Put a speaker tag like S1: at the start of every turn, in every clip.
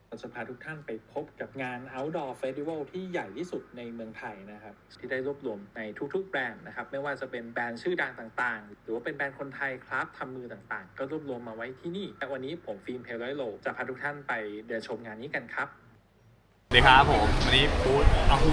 S1: เราจะพาทุกท่านไปพบกับงาน Outdoor Festival ที่ใหญ่ที่สุดในเมืองไทยนะครับที่ได้รวบรวมในทุกๆแบรนด์นะครับไม่ว่าจะเป็นแบรนด์ชื่อดังต่างๆหรือว่าเป็นแบรนด์คนไทยคราฟทำมือต่างๆก็รวบรวมมาไว้ที่นี่แต่วันนี้ผมฟิล์มเพลร้อยโลจะพาทุกท่านไปเดินชมงานนี้กันครับ
S2: สวัสดีครับผมวันนี้บูธอาฮู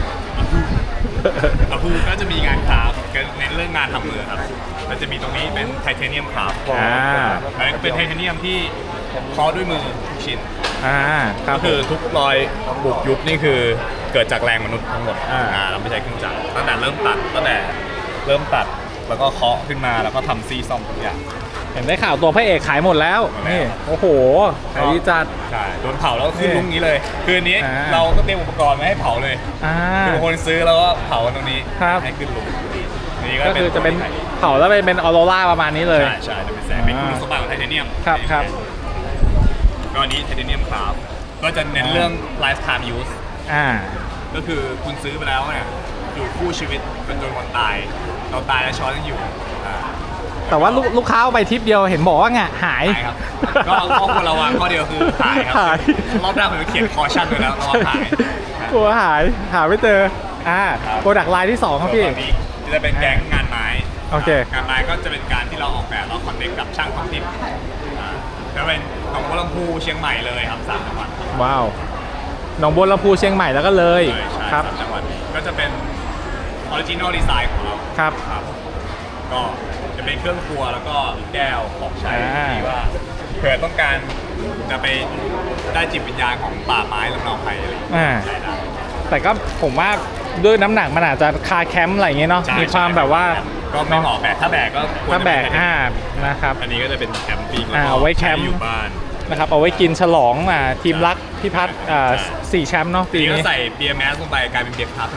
S2: ก็จะมีงานคราฟเน้นเรื่องงานทำมือครับมันจะมีตรงนี้เป็นไทเทเนียมคราฟเป็นไทเทเนียมที่เคาะด้วยมือทุกชิ้นก็คือทุกรอยบุกยุบนี่คือเกิดจากแรงมนุษย์ทั้งหมดเราไม่ใช้เครื่องจักรตั้งแต่เริ่มตัดแล้วก็เคาะขึ้นมาแล้วก็ทำซี่ซ่อมทุกอย่าง
S3: เห็นได้ข่าวตัวพระเอกขายหมดแล้วนี่โอ้โหขายดีจัด
S2: ใช่โดนเผาแล้วขึ้นลุงนี้เลยคืนนี้เราก็เตรียมอุปกรณ์มาให้เผาเลยคือคนซื้อแล้วก็เผาตรงนี้ให้ขึ้นลุง
S3: นี่ก็คือจะเป็นเผาแล้วเป็นออโรราประมาณนี้เลย
S2: ใช่จะเป็นแสงเป็นคุณสมบัติของไทเทเนียม
S3: ครับ
S2: ก็นี้ไทเทเนียมคราฟก็จะเน้นเรื่อง lifetime use ก็คือคุณซื้อไปแล้วเนี่ยอยู่คู่ชีวิตจนวันตายเราตายแล้วช้อนยังอยู่
S3: แต่ว่าลูกค้าเอาไปทริปเดียวเห็นบอกว่าหาย
S2: ครับก็ข้อควรระวังข้อเดียวคือหายครับรอบหน้าผมจะเขียนคอชั่นไว้แล้วระวังหาย
S3: กลัวหาไม่เจอโปรดักต์ไลน์ที่2ครับพี่
S2: จะเป็นแก๊งงานไม้
S3: โอเค
S2: งานไม้ก็จะเป็นการที่เราออกแบบเราคอนเนคกับช่างท้องถิ่นจะเป็นหนองบัวลำพูเชียงใหม่เลยครับ3 จังหวัด
S3: ว้าวหนองบัวลำพูเชียงใหม่แล้วก็เลย
S2: ครับ3 จังหวัดก็จะเป็นออริจินอลดีไซน์ของเรา
S3: ครับ
S2: ก็จะเป็นเครื่องครัวแล้วก็แก้วของใช้ที่ว่าเผื่อต้องการจะไปได้จิตวิญญาณของป่าไม้ลำเนาไพรอะไรใช่ได้
S3: แต่ก็ผมว่าด้วยน้ำหนักมันอาจจะคาแคมป์อะไรอย่างเงี้ยเนาะมีความแบบว่า
S2: ก็ไม่เหมาะแบกถ้าแบกก็
S3: ถ้าแบกนะครับ
S2: อันนี้ก็จะเป็นแคมปิ้ง
S3: เอาไว้แคมป์
S2: อยู่บ้าน
S3: นะครับเอาไว้กินฉลองทีมรักพี่พัฒน์4 แชมป์เนาะปีนี้
S2: ก็ใส่เบียร์แมสลงไปกลายเป็นเบียร์พับ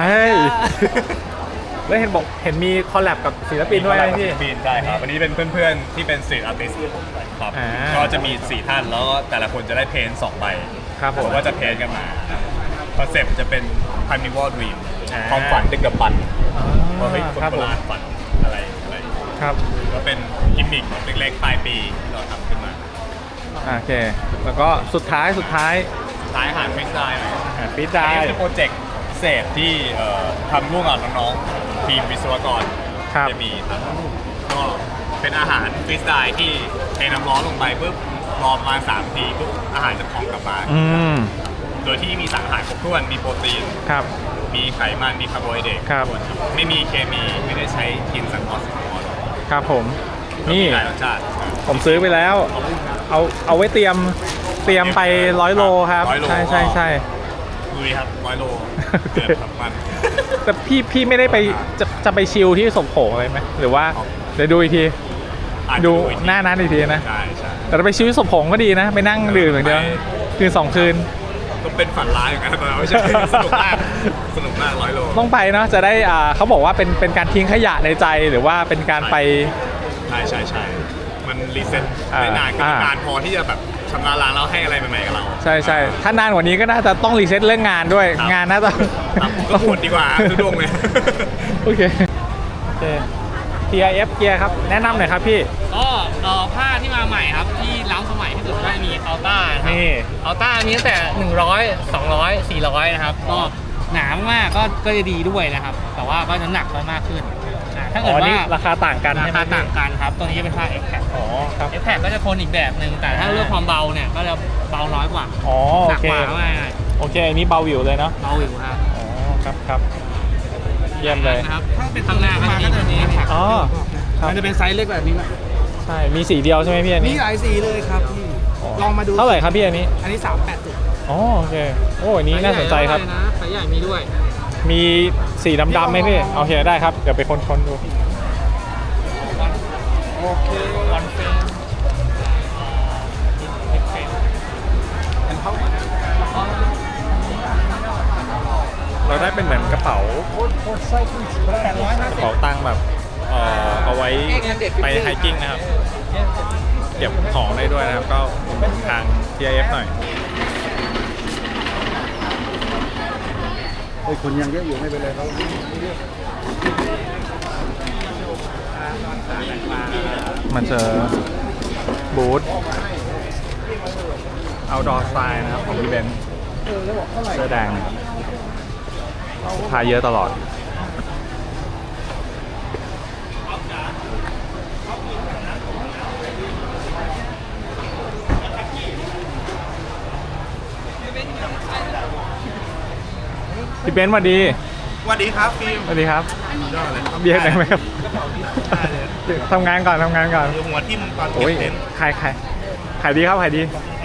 S3: แล้วเห็นมีคอลแลบกับศิลปินด้วยพี่
S2: ใช่ครับวันนี้เป็นเพื่อนๆที่เป็นศิลปินอาร์ติสต์ครับก็จะมี4 ท่านแล้วก็แต่ละคนจะได้เพนท์2 ใบ
S3: ครับผม
S2: ว่าจะเพนท์กันมาคอนเซ็ปต์จะเป็น Carnival Dream ความฝันดึกดำบรรพ์ว่าเฮ้ยคนโบราณฝันอะไร
S3: ครับ
S2: ก็เป็นกิมมิคเล็กๆปลายปีที่เราทำขึ้นมา
S3: โอเคแล้วก็สุดท้าย
S2: อาหารฟิสได้ไหม
S3: ฟิสได้
S2: เป็นโปรเจกต์พิเศษที่ทำร่วมกับน้องๆทีมวิศวกรจะมีก็เป็นอาหารฟิสได้ที่เทน้ำร้อนลงไปปุ๊บรอมา3 ทีปุ๊บอาหารจะพองกลับมาโดยที่มีสารอาหารครบถ้วนมีโปรตีนมีไขมันมีคาร์โบไฮเดรตไม่มีเคมีไม่ได้ใช้กินสังเคราะห์
S3: ครับผมนี่
S2: หลายรสชาติ
S3: ผมซื้อไปแล้วเอาไว้เตรียมไป100 โลครับใช่
S2: ลุยครับ100 โลเกิดทำมัน
S3: แต่พี่ไม่ได้ไปจะไปชิลที่สมโขอะไรไหมหรือว่าเดี๋ยวดูอีกทีดูหน้านั้นอีกทีนะแต่ไปชิลที่สมโขก็ดีนะไปนั่งดื่มอย่างเดียวคืน2 คืน
S2: ก็เป็นฝันร้ายอย่างนั้นแต่ไม่ใช่สนุกมาก100 โล
S3: ต้องไปเนาะจะได้เขาบอกว่าเป็นการทิ้งขยะในใจหรือว่าเป็นการไป
S2: ใช่มันรีเซ็ตได้นานพอที่จะแบบชำระล้างแล้วให้อะไรใหม่ๆกับเรา
S3: ใช่ถ้านานกว่านี้ก็น่าจะต้องรีเซ็ตเรื่องงานด้วยงานน่าจะ
S2: ก็หมดดีกว่าทุกดวงเลย
S3: โอเค TIF เกียร์ครับแนะนำหน่อยครับพี่
S4: ก็ผ้าที่มาใหม่ครับที่ล้ำสมัยที่สุดก็มีอัลต้าครับอัลต้ามีตั้งแต่100 200 400นะครับก็หนามากก็จะดีด้วยนะครับแต่ว่าก็น้ำหนักก็มากขึ้นถ้าเกิดว่า
S3: ราคาต่างกัน
S4: ครับตัวนี้จะเป็นผ้า X-Pack
S3: ครับ
S4: X-Pack ก็จะทนอีกแบบหนึ่งแต่ถ้าเรื่องความเบาเนี่ยก็จะเบาน้อยกว่า
S3: หนักกว่าโอเคอันนี้เบาวิวเลยเนาะ
S4: เบาวิวครับ
S3: ครับเยี่ยมเลย
S4: ครับถ้าเป็นข้างหน้าก็จะมีตัวนี้มันจะเป็นไซส์เล็กแบบนี้นะ
S3: ใช่มีสีเดียวใช่ไหมพี่อันนี้
S4: มีหลายสีเลยครับพี่ลองมาดู
S3: เท่าไหร่ครับพี่อันนี้
S4: 380
S3: โอเคอันนี้น่าสนใจครับ
S4: ไซส์ใหญ่มีด้วย
S3: มีสีดำๆไหมพี่โอเคได้ครับเดี๋ยวไปค้นดู
S4: โอเควันเฟรม
S3: เราได้เป็นเหมือนกระเป๋าตังค์แบบเอาไว้ไปไฮกิ้งนะครับเก็บของได้ด้วยนะครับก็ทาง TIF หน่อย
S5: คนยังเยอะอยู่ไม่เป็นไรเขา
S3: มันจะบูธ outdoor style นะครับของพี่เบนซ์เสื้อแดงลูกค้าเยอะตลอดพี่เบนซ์สวัสดี
S2: สวัสดีครับฟิล์ม
S3: สวัสดีครับ
S2: ยอดเลย
S3: เบียร์ไหนไหมครับทำงานก่อน
S2: หัวทิ่มตอน
S3: โอ้ย
S2: เก็บเต็นท์
S3: ขายดีครับขายดี